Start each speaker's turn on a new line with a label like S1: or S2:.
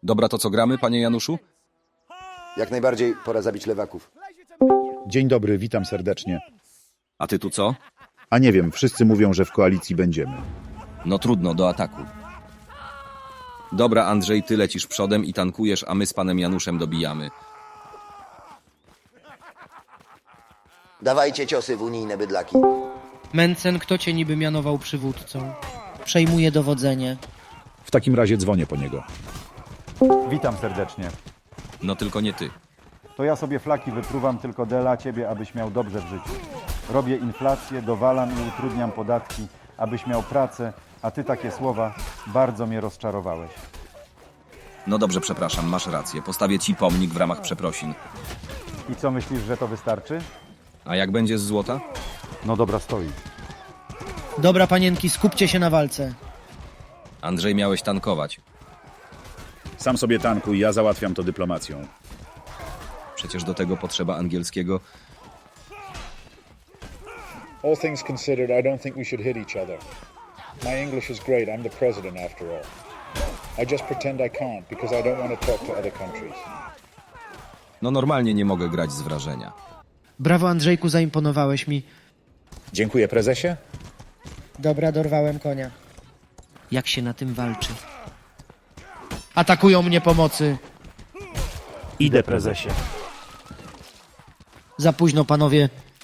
S1: Dobra, to co gramy, panie Januszu?
S2: Jak najbardziej pora zabić lewaków.
S3: Dzień dobry, witam serdecznie.
S1: A ty tu co?
S3: A nie wiem, wszyscy mówią, że w koalicji będziemy.
S1: No trudno, do ataku. Dobra, Andrzej, ty lecisz przodem i tankujesz, a my z panem Januszem dobijamy.
S2: Dawajcie ciosy w unijne bydlaki.
S4: Mencen, kto cię niby mianował przywódcą? Przejmuje dowodzenie.
S3: W takim razie dzwonię po niego.
S5: Witam serdecznie.
S1: No tylko nie ty.
S5: To ja sobie flaki wypruwam tylko dla ciebie, abyś miał dobrze w życiu. Robię inflację, dowalam i utrudniam podatki, abyś miał pracę, a ty takie słowa bardzo mnie rozczarowałeś.
S1: No dobrze, przepraszam, masz rację. Postawię ci pomnik w ramach przeprosin.
S5: I co myślisz, że to wystarczy?
S1: A jak będzie z złota?
S5: No dobra, stoi.
S4: Dobra, panienki, skupcie się na walce.
S1: Andrzej, miałeś tankować.
S3: Sam sobie tankuj, ja załatwiam to dyplomacją.
S1: Przecież do tego potrzeba angielskiego.
S6: All things considered, I don't think we should hit each other. My English is great. I'm the president after all. I just pretend I can't because I don't want to talk to other countries.
S1: No normalnie nie mogę grać z wrażenia.
S4: Brawo, Andrzejku, zaimponowałeś mi.
S3: Dziękuję, prezesie.
S4: Dobra, dorwałem konia. Jak się na tym walczy? Atakują mnie pomocy.
S3: Idę, prezesie.
S4: Za późno, panowie.